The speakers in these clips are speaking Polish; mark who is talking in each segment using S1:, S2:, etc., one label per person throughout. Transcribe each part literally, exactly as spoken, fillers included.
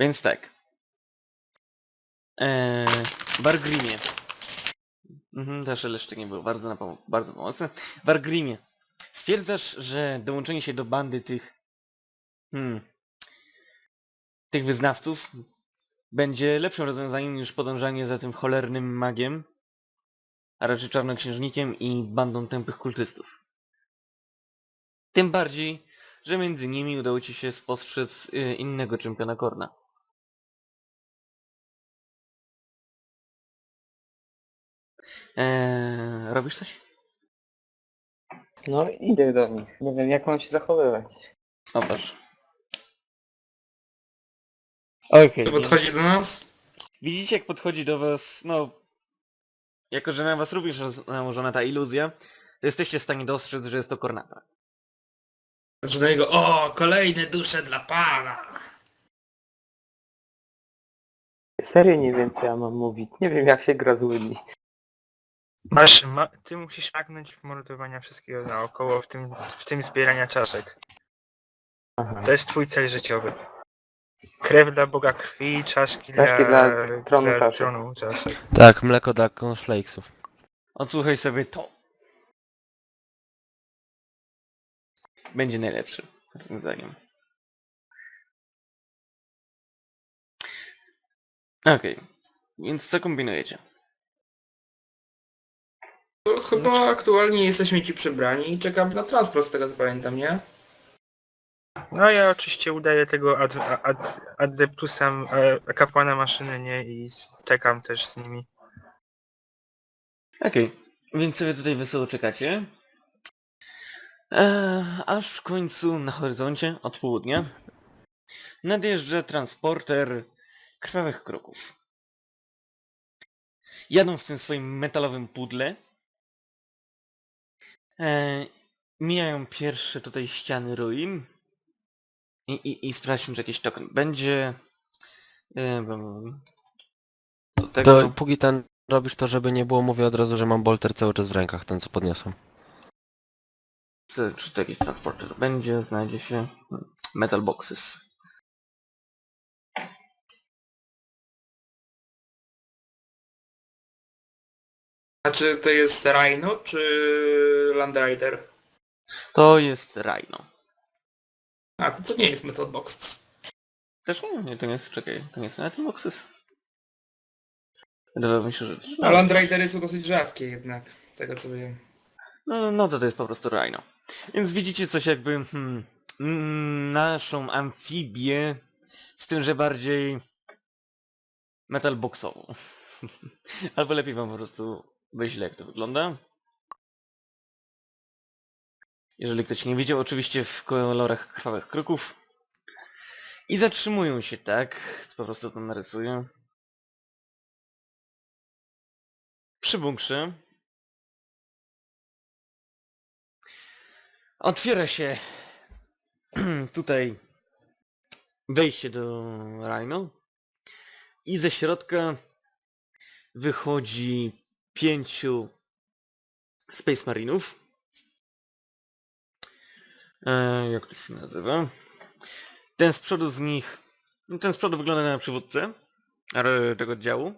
S1: Więc tak. Eee, Wargrimie. Mhm, też jeszcze nie był bardzo, na pom bardzo pomocny. Wargrimie. Stwierdzasz, że dołączenie się do bandy tych... Hmm... tych wyznawców będzie lepszym rozwiązaniem niż podążanie za tym cholernym magiem, a raczej czarnoksiężnikiem i bandą tępych kultystów. Tym bardziej, że między nimi udało ci się spostrzec y, innego czempiona Korna. Eee, robisz coś?
S2: No idę do nich. Nie wiem jak mam się zachowywać.
S1: Obaż. Okej,
S3: To
S1: więc
S3: podchodzi do nas?
S1: widzicie jak podchodzi do was, no... Jako, że na was również jest nałożona ta iluzja, to jesteście w stanie dostrzec, że jest to Kornata.
S3: Patrzę do niego, o, kolejne dusze dla pana!
S2: Serio nie wiem co ja mam mówić. Nie wiem jak się gra z ludźmi.
S4: Masz, ma, ty musisz magnąć w mordowania wszystkiego naokoło, w tym, w tym zbierania czaszek.
S2: Aha.
S4: To jest twój cel życiowy. Krew dla Boga krwi, czaszki,
S2: Czaszki
S4: dla,
S2: dla tronu
S4: dla
S2: czaszek.
S4: tronu czaszek.
S5: Tak, mleko dla cornflakesów.
S1: Odsłuchaj sobie to. Będzie najlepszy rozwiązaniem. Okej, więc co kombinujecie?
S3: To chyba aktualnie jesteśmy ci przebrani i czekamy na transport, z tego co pamiętam, nie?
S4: No ja oczywiście udaję tego ad, ad, adeptusa, e, kapłana maszyny, nie? I czekam też z nimi.
S1: Okej, więc sobie tutaj wesoło czekacie. Eee, aż w końcu na horyzoncie od południa nadjeżdża transporter krwawych kroków. Jadą w tym swoim metalowym pudle. Eee, mijają pierwsze tutaj ściany ruin. I, i, i sprawdźmy, czy jakiś token będzie. Eee, do tego...
S5: To póki ten robisz to, żeby nie było, mówię od razu, że mam bolter cały czas w rękach, ten co podniosłem.
S1: Co- Czy to jakiś transporter będzie? Znajdzie się hmm, metal boxes.
S3: A czy to jest Rhino, czy Land Rider?
S1: To jest Rhino.
S3: A, to, to nie jest Method Boxes.
S1: Też nie, nie, to nie jest, czekaj, to nie jest metal boxes. Wydawało mi się, że...
S3: A Land Ridery są dosyć rzadkie jednak, z tego co wiem.
S1: No, no to to jest po prostu Rhino. Więc widzicie coś jakby hmm, mm, naszą amfibię, z tym, że bardziej metal boxową. Albo lepiej wam po prostu wyślę jak to wygląda. Jeżeli ktoś nie widział, oczywiście w kolorach krwawych kroków. I zatrzymują się tak, po prostu to narysuję. Przy bunkrze. Otwiera się tutaj wejście do Rhino i ze środka wychodzi pięciu Space Marinów. E, jak to się nazywa? Ten z przodu z nich, no ten z przodu wygląda na przywódcę e, tego oddziału.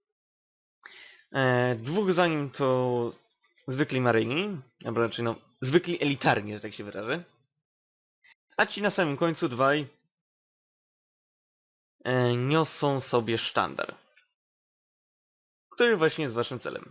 S1: E, dwóch za nim to zwykli maryni, albo raczej no zwykli elitarni, że tak się wyrażę. A ci na samym końcu dwaj e, niosą sobie sztandar, który właśnie jest waszym celem.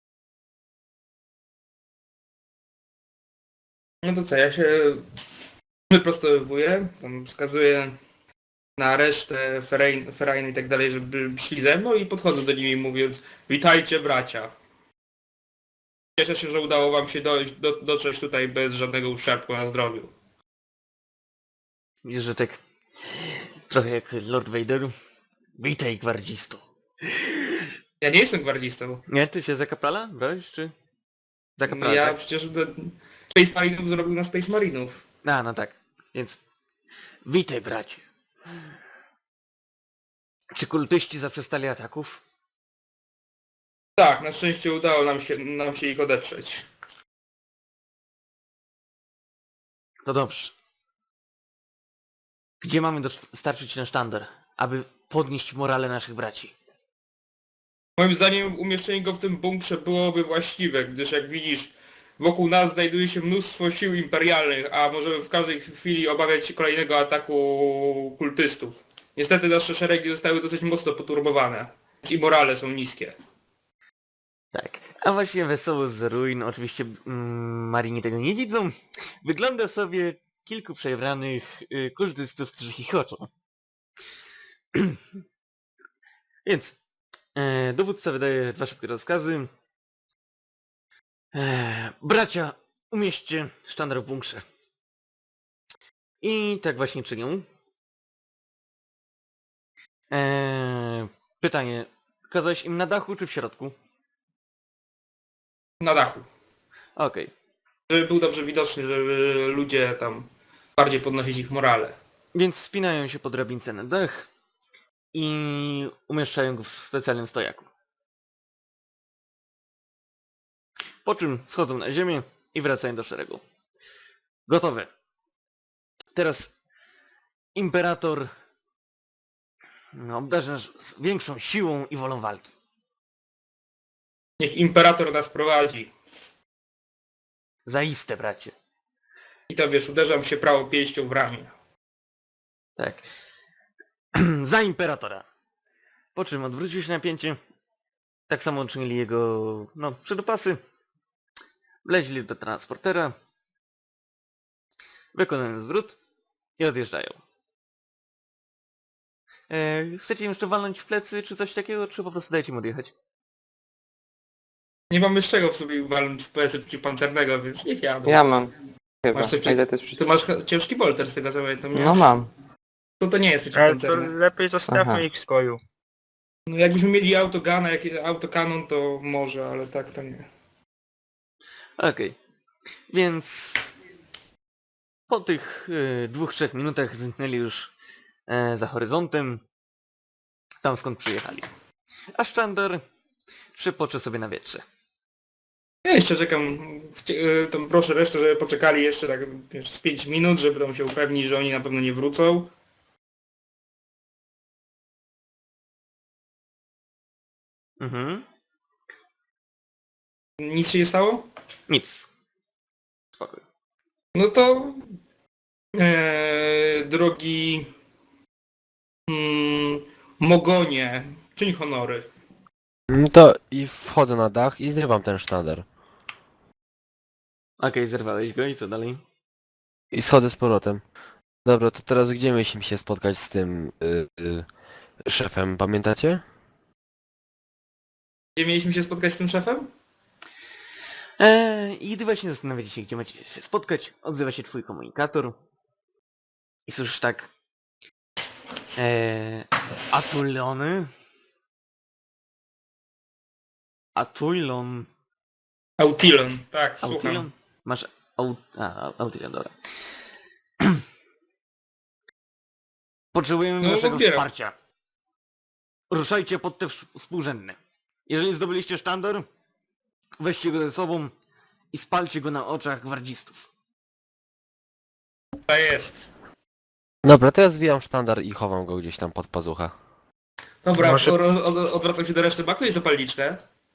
S3: No to co, ja się wyprostowywuję, tam wskazuję na resztę Ferajny Ferajny i tak dalej, żeby szli ze mną i podchodzę do nimi mówiąc: witajcie bracia. Cieszę się, że udało wam się dojść, do, dotrzeć tutaj bez żadnego uszczerbku na zdrowiu.
S1: Widzisz, że tak trochę jak Lord Vader. Witaj, gwardzisto.
S3: Ja nie jestem gwardzistą.
S1: Nie, ty się za kaprala brałeś, czy? Za kaprala,
S3: Ja
S1: tak?
S3: przecież do Space Marinów zrobił na Space Marinów.
S1: A, no tak. Więc... Witaj, bracie. Czy kultyści zaprzestali ataków?
S3: Tak, na szczęście udało nam się, nam się ich odeprzeć.
S1: To dobrze. Gdzie mamy dostarczyć ten sztandar? aby podnieść morale naszych braci.
S3: Moim zdaniem umieszczenie go w tym bunkrze byłoby właściwe, gdyż jak widzisz, wokół nas znajduje się mnóstwo sił imperialnych, a możemy w każdej chwili obawiać się kolejnego ataku kultystów. Niestety nasze szeregi zostały dosyć mocno poturbowane i morale są niskie.
S1: Tak, a właśnie wesoło z ruin, oczywiście mm, Marini tego nie widzą, wygląda sobie kilku przebranych y, kultystów, którzy chichoczą. Więc e, dowódca wydaje dwa szybkie rozkazy. E, bracia, umieśćcie sztandar w bunkrze. I tak właśnie czynią. E, pytanie, kazałeś im na dachu czy w środku?
S3: Na dachu.
S1: Okej.
S3: Żeby był dobrze widoczny, żeby ludzie tam bardziej podnosić ich morale.
S1: Więc wspinają się po drabince na dach i umieszczają go w specjalnym stojaku. Po czym schodzą na ziemię i wracają do szeregu. Gotowe. Teraz imperator no, obdarzy nas z większą siłą i wolą walki.
S3: Niech imperator nas prowadzi.
S1: Zaiste, bracie.
S3: I to wiesz, uderzam się prawo pięścią w ramię.
S1: Tak. Za imperatora. Po czym odwrócił się napięcie. Tak samo czynili jego, no, przydopasy. Wleźli do transportera. Wykonują zwrót i odjeżdżają. E, chcecie im jeszcze walnąć w plecy, czy coś takiego, czy po prostu dajcie mu odjechać?
S3: Nie mamy z czego w sobie walnąć w plecy przeciwpancernego, więc niech jadą.
S2: Ja mam. Chyba.
S3: Masz coś
S2: A ile to jest
S3: Ty
S2: przeciw...
S3: masz ch- ciężki bolter z tego co pamiętam, nie?
S2: No mam.
S3: To to nie jest
S4: Ale to
S3: przeciwpancerny.
S4: lepiej zostawmy
S2: Aha.
S4: ich w spokoju.
S3: No jakbyśmy mieli autogana, jak autokanon, to może, ale tak to nie.
S1: Okej. Więc po tych y, dwóch, trzech minutach zniknęli już e, za horyzontem, tam skąd przyjechali. A sztandar szypocze sobie na wietrze.
S3: Ja jeszcze czekam, chcie- y, tam proszę resztę, żeby poczekali jeszcze tak wiesz, z pięć minut, żeby tam się upewnić, że oni na pewno nie wrócą.
S1: Mhm.
S3: Nic się nie stało?
S1: Nic. Spokój.
S3: No to e, drogi mm, Mogonie, czyń honory.
S5: No to i wchodzę na dach i zrywam ten sztandar.
S1: Okej, zerwałeś go i co dalej?
S5: I schodzę z powrotem. Dobra, to teraz gdzie mieliśmy się spotkać z tym y, y, szefem, pamiętacie?
S3: Gdzie mieliśmy się spotkać z tym szefem?
S1: Eee, I gdy właśnie zastanawiacie się, gdzie macie się spotkać, odzywa się twój komunikator. I słyszysz tak... Eee, Atulony? Atulon...
S3: Autilon, tak, słucham.
S1: Autilon? Masz... Au... A, Autilon, dobra. Potrzebujemy
S3: No,
S1: waszego
S3: odbieram.
S1: wsparcia. Ruszajcie pod te wsz- współrzędne. Jeżeli zdobyliście sztandar, weźcie go ze sobą i spalcie go na oczach gwardzistów.
S3: To jest.
S5: Dobra, to ja zwijam sztandar i chowam go gdzieś tam pod pazucha.
S3: Dobra,
S4: Może-
S3: roz, od, odwracam się do reszty. Ma ktoś zapalniczkę?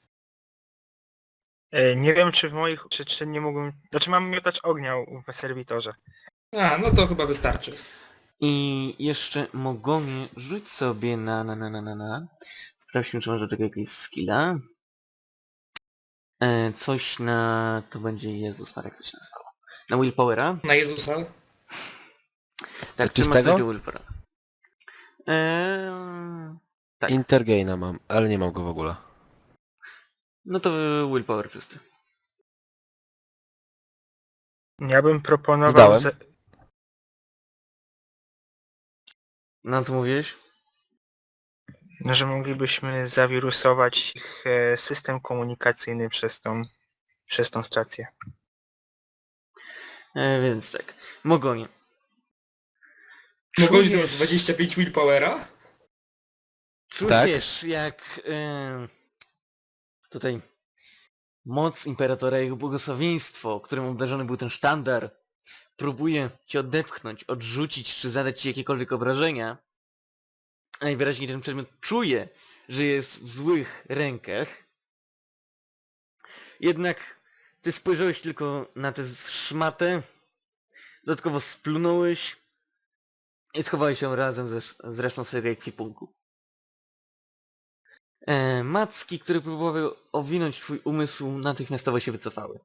S4: E, Nie wiem czy w moich... czy, czy nie mógłbym... Znaczy mam miotacz ognia w serwitorze.
S3: A, no to chyba wystarczy.
S1: I jeszcze Mogonie rzuć sobie na na na na na na. Sprawdźmy, czy masz do tego jakiegoś skilla. E, coś na... to będzie Jezus Marek, coś się nazywało. Na Willpowera.
S3: Na Jezusa?
S1: Tak, czy masz
S5: Czystego?
S1: coś do Willpowera? Eee, tak.
S5: Intergaina mam, ale nie mam go w ogóle.
S1: No to Willpower czysty.
S4: Ja bym proponował...
S5: Zdałem.
S4: Ze...
S1: Na co mówiłeś?
S4: No, że moglibyśmy zawirusować ich e, system komunikacyjny przez tą... przez tą stację.
S1: E, więc tak. Mogonie.
S3: Mogli to
S1: Czujesz-
S3: masz dwadzieścia pięć willpowera?
S1: Czujesz jak e, tutaj moc Imperatora i jego błogosławieństwo, którym obdarzony był ten sztandar, próbuje cię odepchnąć, odrzucić czy zadać ci jakiekolwiek obrażenia, najwyraźniej ten przedmiot czuje, że jest w złych rękach. Jednak ty spojrzałeś tylko na tę szmatę, dodatkowo splunąłeś i schowałeś ją razem ze, z resztą swojego ekwipunku. E, macki, które próbowały owinąć twój umysł, natychmiastowo się wycofały.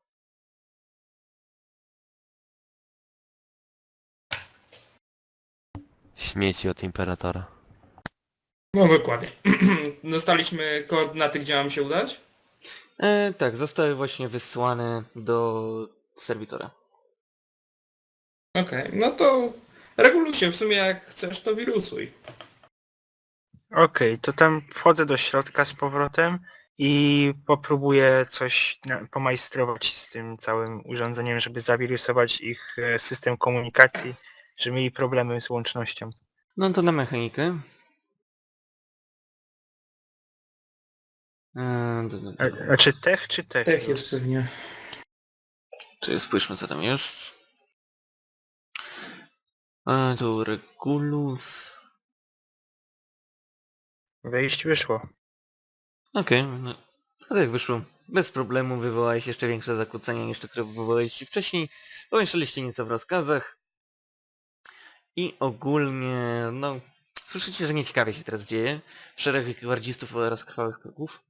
S5: Śmieci od Imperatora.
S3: No dokładnie. Dostaliśmy koordynaty, gdzie mam się udać?
S1: E, tak, zostały właśnie wysłane do serwitora.
S3: Okej, no to reguluj się, w sumie jak chcesz to wirusuj.
S4: Okej, to tam wchodzę do środka z powrotem i popróbuję coś na, pomajstrować z tym całym urządzeniem, żeby zawirusować ich e, system komunikacji, żeby mieli problemy z łącznością.
S1: No to na mechanikę. E, d- d-
S4: E,
S1: d-
S4: Znaczy tech czy tech?
S3: Tech jest pewnie.
S1: Czyli spójrzmy co tam jest. A tu Regulus.
S4: Wejść wyszło.
S1: Okej, no to tak wyszło. Bez problemu wywołałeś jeszcze większe zakłócenia niż te, które wywołaliście wcześniej. Pomieszaliście nieco w rozkazach. I ogólnie, no... Słyszycie, że nieciekawie się teraz dzieje. Szereg gwardzistów oraz krwawych kroków.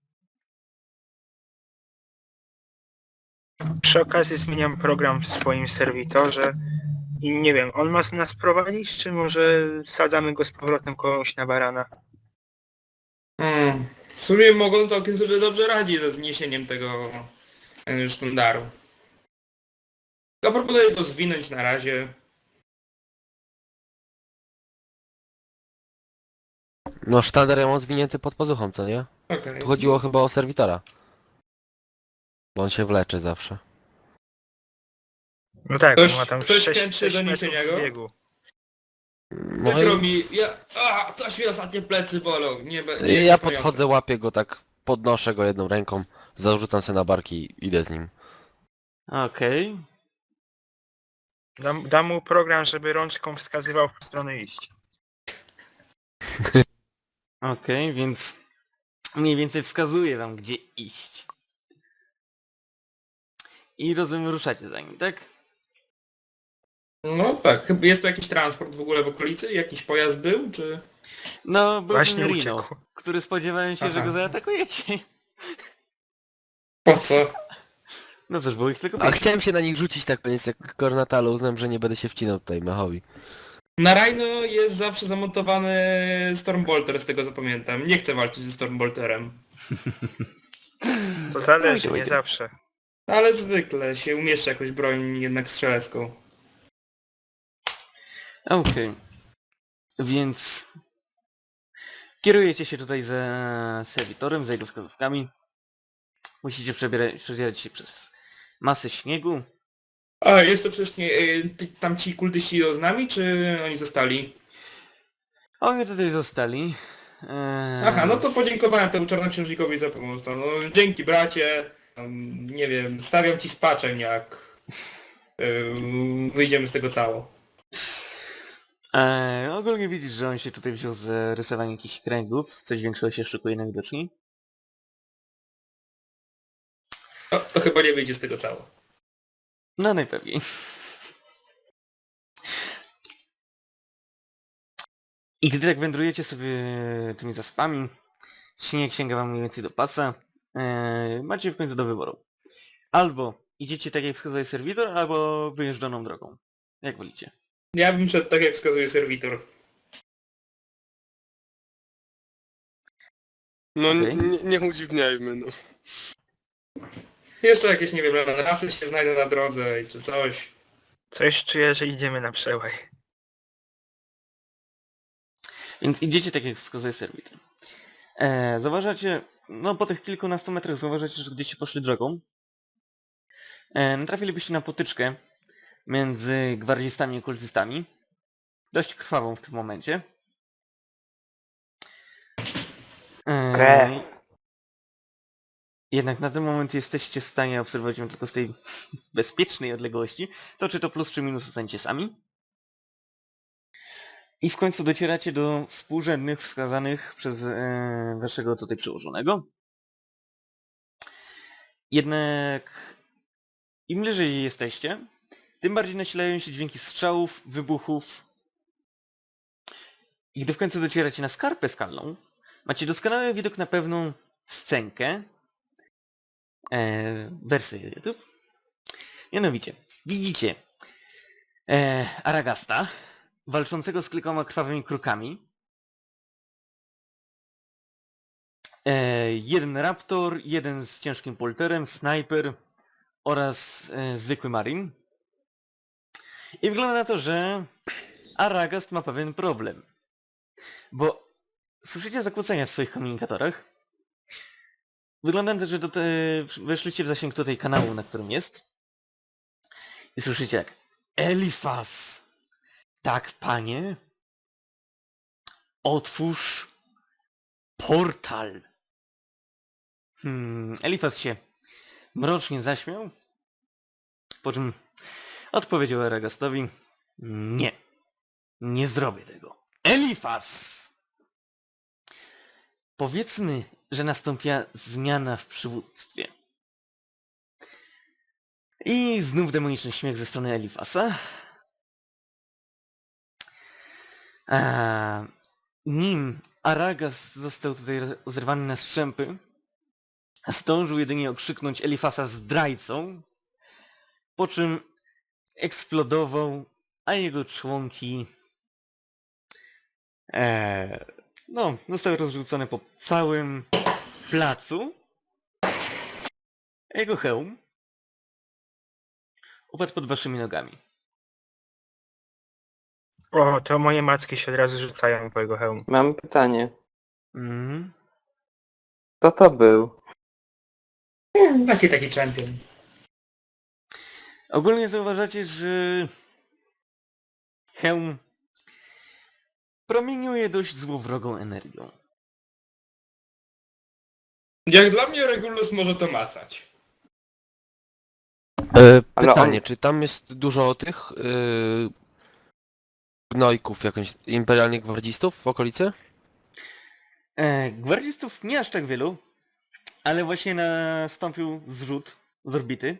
S4: Przy okazji zmieniam program w swoim serwitorze i nie wiem, on ma nas prowadzić, czy może sadzamy go z powrotem komuś na barana?
S3: Hmm. W sumie mogą całkiem sobie dobrze radzić ze zniesieniem tego e, sztandaru. Ja proponuję go zwinąć na razie.
S5: No sztandar ja mam zwinięty pod pazuchą, co nie?
S3: Okej.
S5: Tu chodziło chyba o serwitora. Bo on się wlecze zawsze.
S4: No tak,
S3: Ktoś-
S4: on ma tam
S3: ktoś
S4: sześć
S3: chętny do
S4: metrów
S3: niesienia go?
S4: biegu.
S5: No
S3: Przykro
S5: i
S3: mi, ja... A, coś mi ostatnie plecy bolą. Nie, be- nie,
S5: ja
S3: nie
S5: podchodzę, łapię go tak, podnoszę go jedną ręką, zarzucam sobie na barki i idę z nim.
S1: Okej.
S4: Dam, dam mu program, żeby rączką wskazywał w stronę iść.
S1: Okej, więc... Mniej więcej wskazuje wam, gdzie iść. I rozumiem, ruszacie za nim, tak?
S3: No tak, chyba jest tu jakiś transport w ogóle w okolicy? Jakiś pojazd był, czy...
S1: No, był
S4: Właśnie
S1: ten Rino,
S4: uciekł.
S1: który spodziewałem się, że
S3: Aha.
S1: go zaatakujecie.
S3: Po co?
S1: No cóż, było ich tylko
S5: A
S1: pięć.
S5: chciałem się na nich rzucić tak koniec jak kornata, ale uznałem, że nie będę się wcinał tutaj mechowi.
S3: Na Rhino jest zawsze zamontowany Stormbolter, z tego co pamiętam. Nie chcę walczyć ze Stormbolterem.
S4: To zależy,
S1: Ojdzie,
S4: nie
S1: ojdzie.
S4: zawsze.
S3: Ale zwykle się umieszcza jakąś broń jednak strzelecką.
S1: Okej. Więc... Kierujecie się tutaj za serwitorem, za jego wskazówkami. Musicie przebierać, przedzierać się przez masę śniegu.
S3: A, jeszcze wcześniej, y, ty- tam ci kultyści idą z nami, czy oni zostali?
S1: Oni tutaj zostali. Eee,
S3: Aha, no to podziękowałem temu czarnoksiężnikowi za pomoc. No, dzięki bracie. Tam, nie wiem, stawiam ci spaczeń jak y, wyjdziemy z tego cało.
S1: Eee, ogólnie widzisz, że on się tutaj wziął z rysowania jakichś kręgów. Coś większego się szykuje najwidoczniej.
S3: No, to chyba nie wyjdzie z tego cało.
S1: No najpewniej. I gdy tak wędrujecie sobie tymi zaspami, śnieg sięga wam mniej więcej do pasa, eee, macie w końcu do wyboru. Albo idziecie tak jak wskazuje serwitor, albo wyjeżdżoną drogą. Jak wolicie.
S3: Ja bym szedł tak jak wskazuje serwitor.
S6: No
S1: Okej.
S6: nie, nie udziwniajmy, no.
S3: Jeszcze jakieś, nie wiem, rasy się znajdą na drodze czy coś.
S4: Coś czuję, że idziemy na przełaj.
S1: Więc idziecie tak jak wskazuje serwitor. Eee, zauważacie, no po tych kilkunastu metrach zauważacie, że gdzieście poszli drogą. Eee, natrafilibyście na potyczkę między gwardzistami i kultystami. Dość krwawą w tym momencie. Eee,
S2: Krew.
S1: jednak na ten moment jesteście w stanie obserwować ją tylko z tej bezpiecznej odległości. To czy to plus czy minus ocenicie sami. I w końcu docieracie do współrzędnych wskazanych przez e, waszego tutaj przełożonego. Jednak im bliżej jesteście, tym bardziej nasilają się dźwięki strzałów, wybuchów. I gdy w końcu docieracie na skarpę skalną, macie doskonały widok na pewną scenkę e, wersji YouTube. Mianowicie, widzicie e, Aragasta walczącego z kilkoma krwawymi krukami. E, jeden raptor, jeden z ciężkim polterem, snajper oraz e, zwykły marin. I wygląda na to, że Aragast ma pewien problem. Bo słyszycie zakłócenia w swoich komunikatorach. Wygląda na to, że do te... weszliście w zasięg tutaj kanału, na którym jest. I słyszycie jak Elifas! Tak, panie? Otwórz portal! Hmm, Elifas się mrocznie zaśmiał, po czym odpowiedział Aragastowi: nie, nie zrobię tego. Elifas! Powiedzmy, że nastąpiła zmiana w przywództwie. I znów demoniczny śmiech ze strony Elifasa. A, nim Aragas został tutaj zerwany na strzępy, zdążył jedynie okrzyknąć Elifasa zdrajcą, po czym eksplodował, a jego członki e, no, zostały rozrzucone po całym placu. Jego hełm upadł pod waszymi nogami.
S4: O, to moje macki się od razu rzucają po jego hełm.
S2: Mam pytanie.
S1: Mhm.
S2: Kto to był?
S3: Taki taki champion.
S1: Ogólnie zauważacie, że hełm promieniuje dość złowrogą energią.
S3: Jak dla mnie Regulus może to macać.
S5: E,
S2: Ale
S5: pytanie,
S2: on-
S5: czy tam jest dużo tych yy, gnojków, jakąś imperialnych gwardzistów w okolicy?
S1: E, gwardzistów nie aż tak wielu, ale właśnie nastąpił zrzut z orbity.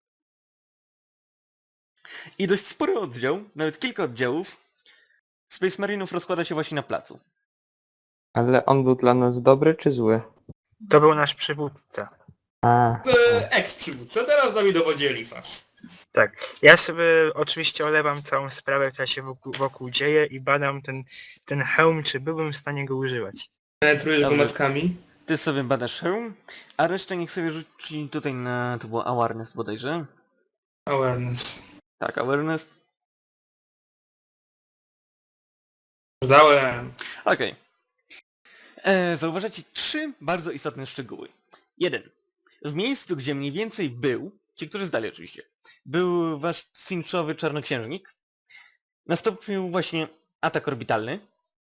S1: I dość spory oddział, nawet kilka oddziałów, Space Marinów rozkłada się właśnie na placu.
S2: Ale on był dla nas dobry czy zły?
S4: To był nasz przywódca.
S2: A,
S3: E, Ex-przywódca, teraz nami dowodzi Elifas.
S4: Tak. Ja sobie oczywiście olewam całą sprawę, która się wokół, wokół dzieje i badam ten, ten hełm, czy byłbym w stanie go używać.
S3: Penetrujesz go
S1: Dobra.
S3: mackami.
S1: Ty sobie badasz hełm, a resztę niech sobie rzuci tutaj na... to było awareness bodajże.
S3: Awareness.
S1: Tak, awareness.
S3: Zdałem.
S1: Okej. E, Zauważacie trzy bardzo istotne szczegóły. Jeden. W miejscu, gdzie mniej więcej był, ci, którzy zdali oczywiście, był wasz cinchowy czarnoksiężnik, nastąpił właśnie atak orbitalny.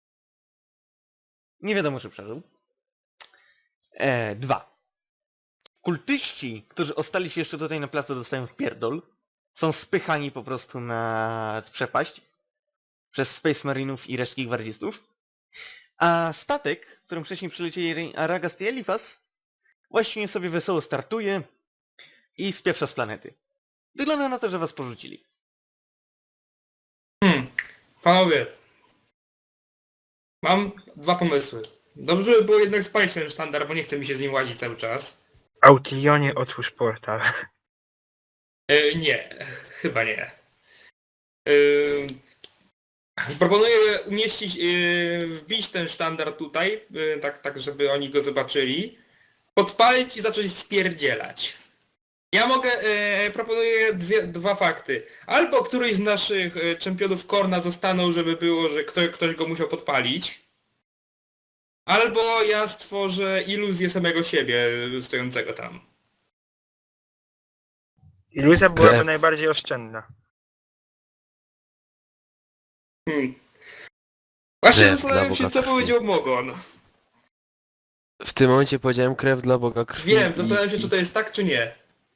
S1: Nie wiadomo, czy przeżył. E, dwa. Kultyści, którzy ostali się jeszcze tutaj na placu, dostają w pierdol. Są spychani po prostu na przepaść przez Space Marinów i resztki gwardzistów. A statek, którym wcześniej przylecieli Aragast i Elifas, właśnie sobie wesoło startuje i spieprza z planety. Wygląda na to, że was porzucili.
S3: Hmm. Panowie. Mam dwa pomysły. Dobrze by było jednak spalić ten sztandar, bo nie chce mi się z nim łazić cały czas.
S4: Autilionie, otwórz portal.
S3: E, nie, chyba nie. E, proponuję umieścić, e, wbić ten sztandar tutaj, e, tak, tak żeby oni go zobaczyli, podpalić i zacząć spierdzielać. Ja mogę, e, proponuję dwie, dwa fakty. Albo któryś z naszych e, czempionów Korna zostaną, żeby było, że kto, ktoś go musiał podpalić. Albo ja stworzę iluzję samego siebie e, stojącego tam.
S4: Iluzja byłaby
S5: Krew.
S4: najbardziej oszczędna.
S3: Hmm. Właśnie
S5: Krew
S3: zastanawiam
S5: dla
S3: się,
S5: Boga
S3: co
S5: krwi.
S3: powiedział Mogon.
S5: W tym momencie powiedziałem krew dla Boga krwi.
S3: Wiem,
S5: i-
S3: zastanawiam się,
S5: i-
S3: czy to jest tak, czy nie.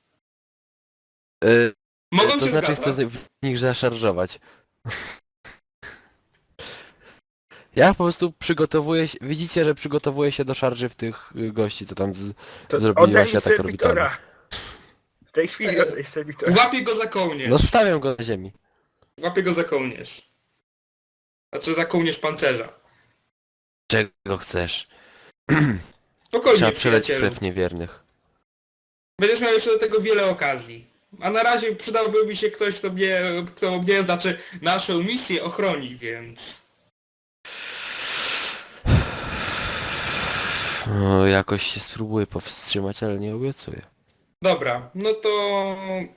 S5: e,
S3: Mogą
S5: to
S3: się
S5: znaczy
S3: zgadzać.
S5: chcę w nich zaszarżować. Ja po prostu przygotowuję się, widzicie, że przygotowuję się do szarży w tych y, gości, co tam z,
S4: To
S5: zrobili
S4: oddaj
S5: właśnie
S4: mi
S5: atak orbitalny.
S4: serwitora! W tej chwili oddaj serwitora.
S3: Łapię go za
S5: No
S3: kołnierz.
S5: stawiam go na ziemi.
S3: Łapię go za kołnierz. Znaczy za kołnierz pancerza.
S5: Czego chcesz?
S3: Spokojnie,
S5: Trzeba przeleć
S3: przyjacielu.
S5: krew niewiernych.
S3: Będziesz miał jeszcze do tego wiele okazji. A na razie przydałby mi się ktoś, kto mnie, kto mnie, znaczy naszą misję ochroni, więc...
S5: No, jakoś się spróbuję powstrzymać, ale nie obiecuję.
S3: Dobra, no to...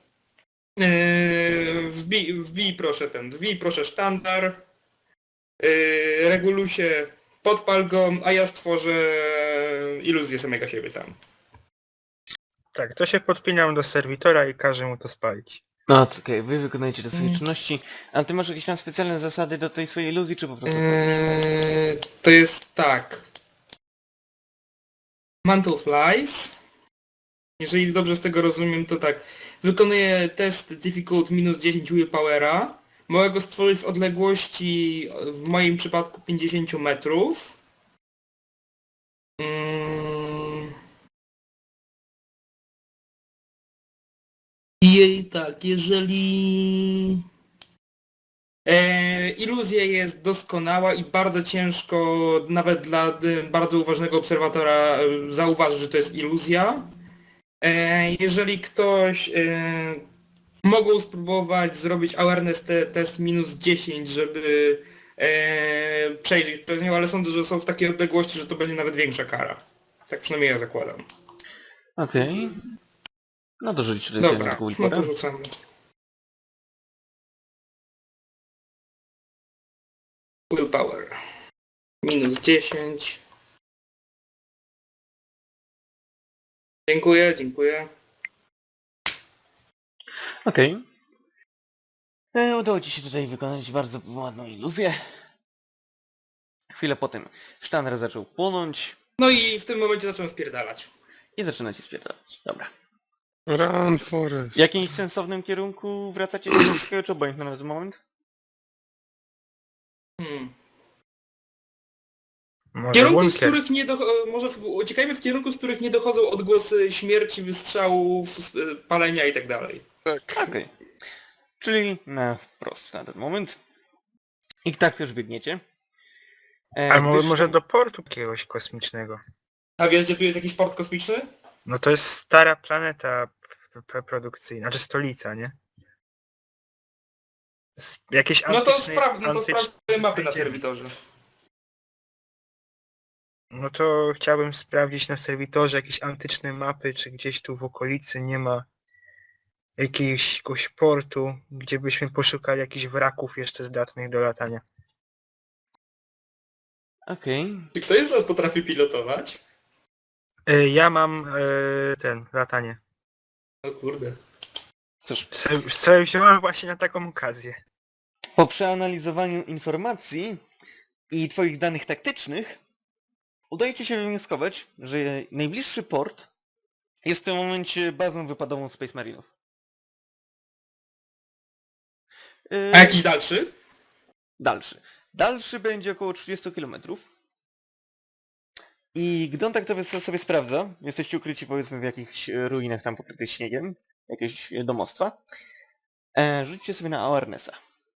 S3: Yy, wbij, wbij proszę ten, wbij proszę sztandar. Yy, regulusie, podpal go, a ja stworzę iluzję samego siebie tam.
S4: Tak, to się podpinam do serwitora i każę mu to spalić.
S1: No to okej, wy wykonujecie te swoje
S3: Mm.
S1: czynności, ale ty masz jakieś tam specjalne zasady do tej swojej iluzji, czy po prostu...
S3: Eee, to jest tak. Mantle Flies. Jeżeli dobrze z tego rozumiem, to tak. Wykonuję test difficult minus dziesięć willpowera. Mogę go stworzyć w odległości, w moim przypadku pięćdziesiąt metrów. Mm. I tak, jeżeli... E, iluzja jest doskonała i bardzo ciężko nawet dla y, bardzo uważnego obserwatora y, zauważyć, że to jest iluzja. E, jeżeli ktoś e, mogą spróbować zrobić awareness te, test minus dziesięć, żeby e, przejrzeć przez nią, ale sądzę, że są w takiej odległości, że to będzie nawet większa kara. Tak przynajmniej ja zakładam.
S1: Okej. No to rzuć tutaj
S3: Dobra,
S1: na taką
S3: no
S1: willporę.
S3: to rzucamy. Willpower. Minus dziesięć. Dziękuję, dziękuję.
S1: Okej. E, Udało ci się tutaj wykonać bardzo ładną iluzję. Chwilę potem sztandar zaczął płonąć
S3: No i w tym momencie zacząłem spierdalać.
S1: i zaczyna ci spierdalać. Dobra.
S6: Run, Forest.
S1: W jakimś sensownym kierunku wracacie do takiego, czy obojętne na ten moment?
S3: Hmm.
S4: Może
S3: Kierunku, z
S4: bunkier.
S3: których nie dochodzą, może w, uciekajmy w kierunku, z których nie dochodzą odgłosy śmierci, wystrzałów, s- palenia i tak dalej.
S1: Okej. Czyli na wprost na ten moment. I tak też biegniecie. E,
S4: A mo-
S1: gdyż
S4: może
S1: tam-
S4: do portu jakiegoś kosmicznego.
S3: A wiesz, gdzie tu jest jakiś port kosmiczny?
S4: No to jest stara planeta p- p- produkcyjna, znaczy stolica, nie? S- Jakieś
S3: No to
S4: antyczne-
S3: sprawdź, no to
S4: antyczne-
S3: sprawdź swoje mapy na
S4: znajdziemy.
S3: serwitorze.
S4: No to chciałbym sprawdzić na serwitorze jakieś antyczne mapy, czy gdzieś tu w okolicy nie ma jakiegoś, jakiegoś portu, gdzie byśmy poszukali jakichś wraków jeszcze zdatnych do latania.
S1: Okej.
S3: Czy ktoś z nas potrafi pilotować?
S4: Y, Ja mam y, ten, latanie.
S3: O kurde.
S1: Cóż,
S4: Co, co wziąłem właśnie na taką okazję.
S1: po przeanalizowaniu informacji i twoich danych taktycznych udaje ci się wywnioskować, że najbliższy port jest w tym momencie bazą wypadową Space Marinów. Yy,
S3: A jakiś dalszy?
S1: Dalszy. Dalszy będzie około trzydzieści kilometrów. I gdy on tak to sobie sobie sprawdza, jesteście ukryci powiedzmy w jakichś e, ruinach tam pokrytych śniegiem, jakieś e, domostwa, e, rzućcie sobie na awarenessa.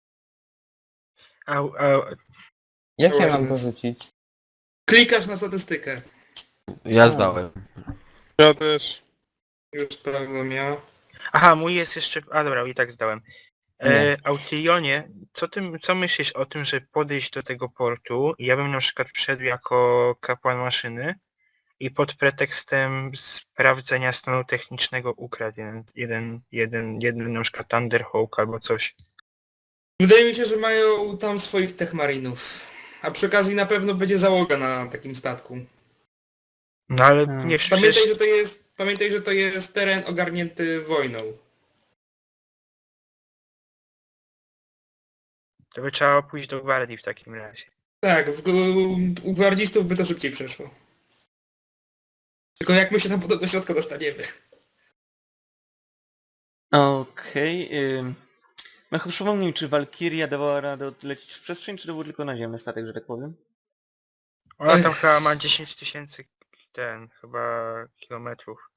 S4: A, a,
S2: Jak ja mam to
S3: Awareness.
S2: rzucić?
S3: Klikasz na statystykę.
S5: Ja zdałem.
S6: Ja też.
S3: Już sprawdzam ja.
S4: aha, mój jest jeszcze... A dobra, i tak zdałem. E, Autilionie, co, ty, co myślisz o tym, że podejść do tego portu? Ja bym na przykład wszedł jako kapłan maszyny i pod pretekstem sprawdzenia stanu technicznego ukradł jeden, jeden, jeden, jeden na przykład Thunderhawk albo coś.
S3: Wydaje mi się, że mają tam swoich techmarinów. A przy okazji na pewno będzie załoga na takim statku.
S4: No ale
S1: Hmm.
S4: nie
S3: Pamiętaj,
S4: przecież...
S3: że to jest, pamiętaj, że to jest teren ogarnięty wojną.
S4: To by trzeba pójść do gwardii w takim razie.
S3: Tak, w, u gwardzistów by to szybciej przeszło. Tylko jak my się tam potem do środka dostaniemy?
S1: Okej. Okay, Mechu, przypomnij, czy Walkiria dawała radę odlecieć w przestrzeń, czy to był tylko naziemny statek, że tak powiem?
S4: Ona tam chyba ma dziesięć tysięcy ten, chyba kilometrów.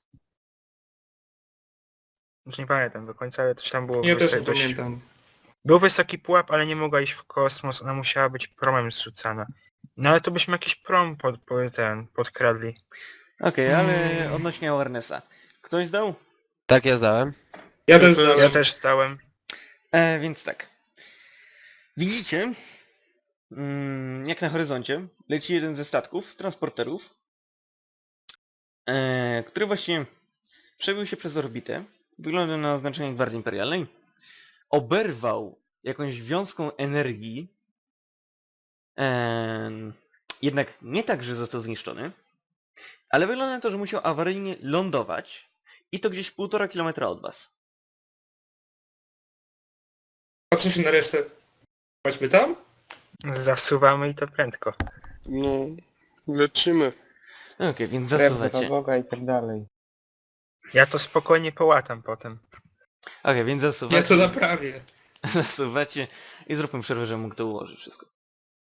S4: Już nie pamiętam do końca, ale coś tam było.
S3: Ja też
S4: wysoki-
S3: nie
S4: dość-
S3: pamiętam.
S4: Był wysoki pułap, ale nie mogła iść w kosmos, ona musiała być promem zrzucana. No ale to byśmy jakiś prom pod, pod ten, podkradli.
S1: Okej, ale
S3: Mm.
S1: odnośnie awarenessa. Ktoś zdał?
S5: Tak, ja zdałem.
S3: Ja też
S4: Ja
S3: zdałem.
S4: też zdałem.
S1: E, więc tak. Widzicie, mm, jak na horyzoncie leci jeden ze statków, transporterów, e, który właśnie przebił się przez orbitę, wygląda na oznaczenie Gwardii Imperialnej, oberwał jakąś wiązką energii, e, jednak nie tak, że został zniszczony, ale wygląda na to, że musiał awaryjnie lądować i to gdzieś półtora kilometra od was.
S3: Patrzę się na resztę. Chodźmy tam?
S4: Zasuwamy i to prędko.
S6: No, lecimy.
S1: Okej, więc
S2: Krew do
S1: zasuwacie.
S2: Boga i tak dalej.
S4: Ja to spokojnie połatam potem.
S1: Okej, więc
S3: Ja
S1: zasuwacie.
S3: to naprawię.
S1: Zasuwacie i zróbmy przerwę, żebym mógł to ułożyć wszystko.